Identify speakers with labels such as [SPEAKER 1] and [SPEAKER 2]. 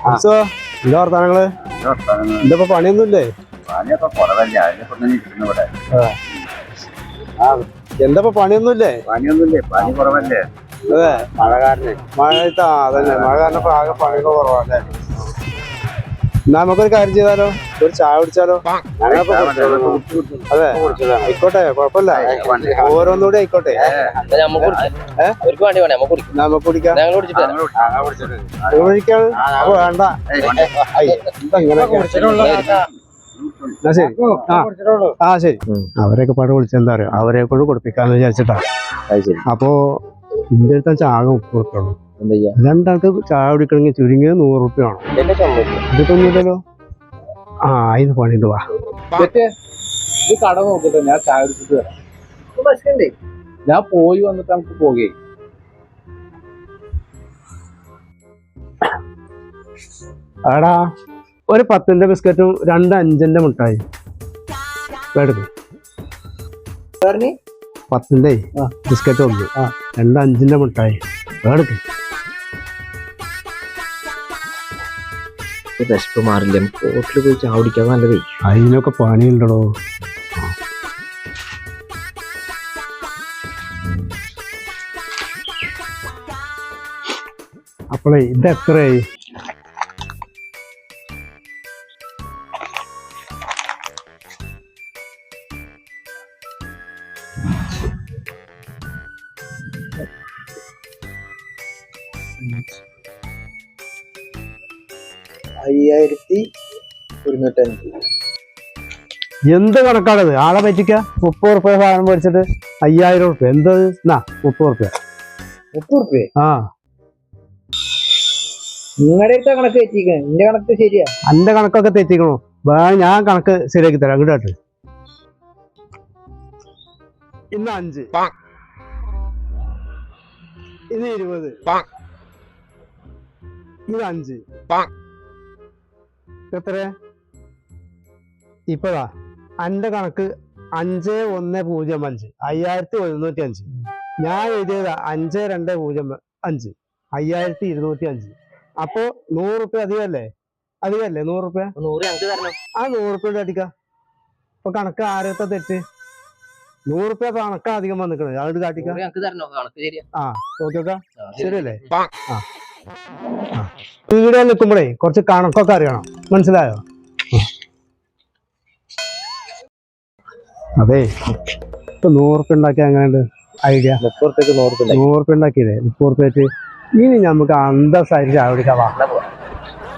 [SPEAKER 1] എന്താ വർത്താനങ്ങള്? എന്താ പണിയൊന്നുമില്ലേ? എന്താ പണിയൊന്നുമില്ലേ?
[SPEAKER 2] പണി കുറവല്ലേ?
[SPEAKER 1] അതെ,
[SPEAKER 2] മഴ കാരണം.
[SPEAKER 1] അതന്നെ മഴ കാരണം ആകെ പണികൾ കുറവല്ലേ. എന്നാ നമുക്കൊരു കാര്യം ചെയ്താലോ, ഒരു ചായ കുടിച്ചാലോ? അതെ, ആയിക്കോട്ടെ, കുഴപ്പമില്ല. ഓരോന്നുകൂടി ആയിക്കോട്ടെ. നമുക്ക് കുടിക്കാം. കുടിക്കാണ്. അപ്പൊ വേണ്ട. ശരി. അവരെയൊക്കെ പാട് വിളിച്ചെന്താ അറിയോ, അവരെ കൊണ്ട് കൊടുപ്പിക്കാന്ന് വിചാരിച്ചിട്ടാ. അപ്പൊ ഇന്റെ അടുത്ത ചാക 30 ഉള്ളൂ. രണ്ടാൾക്ക് ചായ കുടിക്കണമെങ്കിൽ ചുരുങ്ങിയത് 100 റുപ്യ വേണം. ഇതിട്ടൊന്നുമില്ലല്ലോ. ഇത് പണിണ്ട്. വാ,
[SPEAKER 2] ഇത് കട നോക്കട്ടെ, ഞാൻ ചായ കുടിച്ചിട്ട് വരാം. ഞാൻ പോയി വന്നിട്ട് നമുക്ക് പോകുകയെ.
[SPEAKER 1] ആടാ, ഒരു 10ന്റെ ബിസ്ക്കറ്റും 2 5ന്റെ മുട്ടായി എടുക്കും. 10ന്റെ ബിസ്ക്കറ്റ് ഉണ്ട്, 2 5ന്റെ മുട്ടായി എടുക്കും.
[SPEAKER 3] വിശപ്പ് മാറില്ല, ഹോട്ടലിൽ പോയി ചായ കുടിക്കാൻ നല്ലതേ.
[SPEAKER 1] അതിനൊക്കെ പണിയുണ്ടോ? അപ്പോളേ ഇത് എത്രയായി? എന്ത് കണക്കാണത്? ആളെ പറ്റിക്ക. 30 റുപ്യ സാധനം മേടിച്ചിട്ട് 5000 റുപ്യ. എന്ത് 30 റുപ്യ?
[SPEAKER 2] 30 റുപ്യ? നിങ്ങളുടെ കണക്ക് തെറ്റിക്കണം. എന്റെ കണക്ക് ശരിയാ.
[SPEAKER 1] എന്റെ കണക്കൊക്കെ തെറ്റിക്കണോ? ഞാൻ കണക്ക് ശരിയാക്കി തരാം. ഇങ്ങോട്ട് ഇന്ന് 5, ഇന്ന് 20, ഇത് 5. എത്ര? ഇപ്പഴാ എന്റെ കണക്ക് 5105, 5105. ഞാൻ എഴുതിയത് 5205, 5205. അപ്പൊ 100 റുപ്യ അധികമല്ലേ? 100 റുപ്യ. 100 റുപ്യ അടിക്കാം. ഇപ്പൊ കണക്ക് ആരത്തെ തെറ്റ്? 100 റുപ്യ കണക്ക് അധികം വന്നിക്കണത്. അത് കാട്ടിക്കാം. നോക്കിയോക്കാം. ശരിയല്ലേ? വീഡിയോ നിൽക്കുമ്പോഴേ കുറച്ച് കണക്കൊക്കെ അറിയണം. മനസ്സിലായോ? അതെ, ഇപ്പൊ 100 റുപ്യ ഉണ്ടാക്കിയ എങ്ങനെയുണ്ട് ഐഡിയ? 100 റുപ്യ ഉണ്ടാക്കിയതേ 30 റുപ്യ. ഇനി നമുക്ക് അന്തസ്സായിട്ട് ചായ കുടിക്കാൻ.